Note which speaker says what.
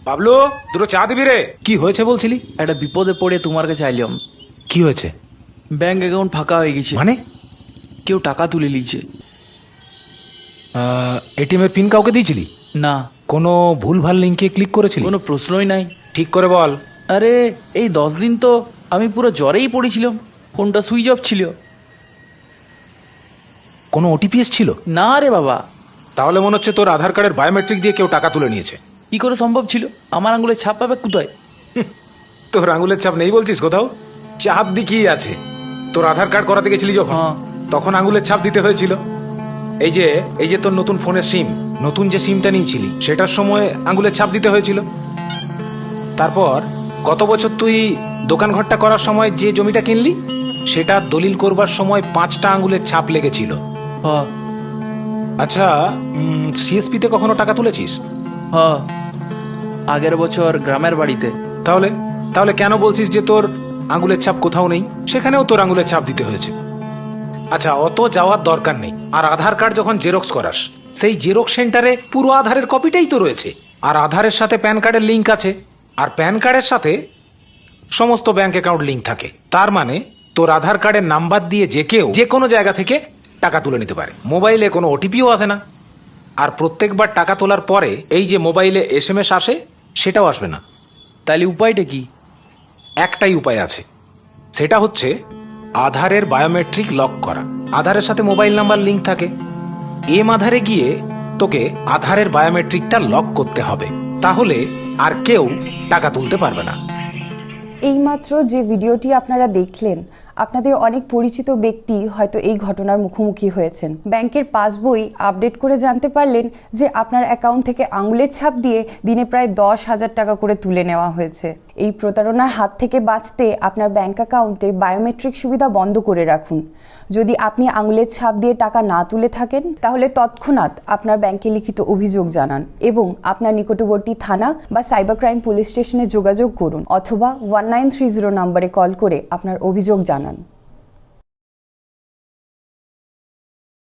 Speaker 1: বাবলু, দুটো চা দিবি রে। কি হয়েছে বলছিলি?
Speaker 2: একটা বিপদে পড়ে তোমার কাছে আইলাম।
Speaker 1: কি হয়েছে?
Speaker 2: ব্যাংক অ্যাকাউন্ট ফাঁকা হয়ে গেছে।
Speaker 1: মানে?
Speaker 2: কেউ টাকা তুলে নিয়েছে।
Speaker 1: এটিএম এর পিন কাউকে দিয়েছিলি?
Speaker 2: না,
Speaker 1: কোনো ভুলভাল লিঙ্কে ক্লিক করেছিলি?
Speaker 2: কোনো প্রশ্নই নাই।
Speaker 1: ঠিক করে বল।
Speaker 2: আরে এই 10 দিন তো আমি পুরো জ্বরেই পড়েছিলাম, ফোনটা সুইচ অফ ছিল।
Speaker 1: কোনো ওটিপি এসেছিল?
Speaker 2: না রে বাবা।
Speaker 1: তাহলে মনে হচ্ছে তোর আধার কার্ডের বায়োমেট্রিক দিয়ে কেউ টাকা তুলে নিয়েছে।
Speaker 2: কি করে সম্ভব ছিল? আমার আঙুলে ছাপ পাবে কোথায়?
Speaker 1: তোর আঙুলের ছাপ নেই বলছিস কোথাও? চাপ দিকেই আছে। তোর আধার কার্ড করাতে গেছিলি যখন,
Speaker 2: হ্যাঁ।
Speaker 1: তখন আঙুলের ছাপ দিতে হয়েছিল। এই যে তোর নতুন ফোনের সিম, নতুন যে সিমটা নিয়েছিলি সেটার সময় আঙুলের ছাপ দিতে হয়েছিল। তারপর গত বছর তুই দোকান ঘরটা করার সময় যে জমিটা কিনলি, সেটা দলিল করবার সময় 5টা আঙুলের ছাপ লেগেছিল।
Speaker 2: হ
Speaker 1: আচ্ছা, সিএসপি তে কখনো টাকা তুলেছিস?
Speaker 2: হ আগের বছর গ্রামের বাড়িতে।
Speaker 1: তাহলে তাহলে কেন বলছিস যে তোর আঙুলের ছাপ কোথাও নেই? সেখানেও তোর আঙুলের ছাপ দিতে হয়েছে। আচ্ছা, অত যাওয়ার দরকার নেই। আর আধার কার্ড যখন জেরক্স করাস, সেই জেরক্স সেন্টারে পুরো আধারের কপিটাই তো রয়েছে। আর আধারের সাথে প্যান কার্ডের লিঙ্ক আছে, আর প্যান কার্ডের সাথে সমস্ত ব্যাংক অ্যাকাউন্ট লিঙ্ক থাকে। তার মানে তোর আধার কার্ডের নাম্বার দিয়ে যে কেউ যে কোনো জায়গা থেকে টাকা তুলে নিতে পারে। মোবাইলে কোনো ওটিপিও আসে না। আর প্রত্যেকবার টাকা তোলার পরে এই যে মোবাইলে এসএমএস আসে, সেটাও আসবে না।
Speaker 2: তাহলে উপায়টা কি?
Speaker 1: একটাই উপায় আছে, সেটা হচ্ছে আধারের বায়োমেট্রিক লক করা। আধারের সাথে মোবাইল নাম্বার লিঙ্ক থাকে। আধারে গিয়ে তোকে আধারের বায়োমেট্রিকটা লক করতে হবে, তাহলে আর কেউ টাকা তুলতে পারবে না।
Speaker 3: এইমাত্র যে ভিডিওটি আপনারা দেখলেন, আপনাদের অনেক পরিচিত ব্যক্তি হয়তো এই ঘটনার মুখোমুখি হয়েছেন। ব্যাংকের পাসবই আপডেট করে জানতে পারলেন যে আপনার অ্যাকাউন্ট থেকে আঙুলের ছাপ দিয়ে দিনে প্রায় 10,000 টাকা করে তুলে নেওয়া হয়েছে। এই প্রতারণার হাত থেকে বাঁচতে আপনার ব্যাংক অ্যাকাউন্টে বায়োমেট্রিক সুবিধা বন্ধ করে রাখুন। যদি আপনি আঙুলের ছাপ দিয়ে টাকা না তুলে থাকেন, তাহলে তৎক্ষণাৎ আপনার ব্যাংকে লিখিত অভিযোগ জানান এবং আপনার নিকটবর্তী থানা বা সাইবার ক্রাইম পুলিশ স্টেশনে যোগাযোগ করুন, অথবা 1930 নম্বরে কল করে আপনার অভিযোগ জানান।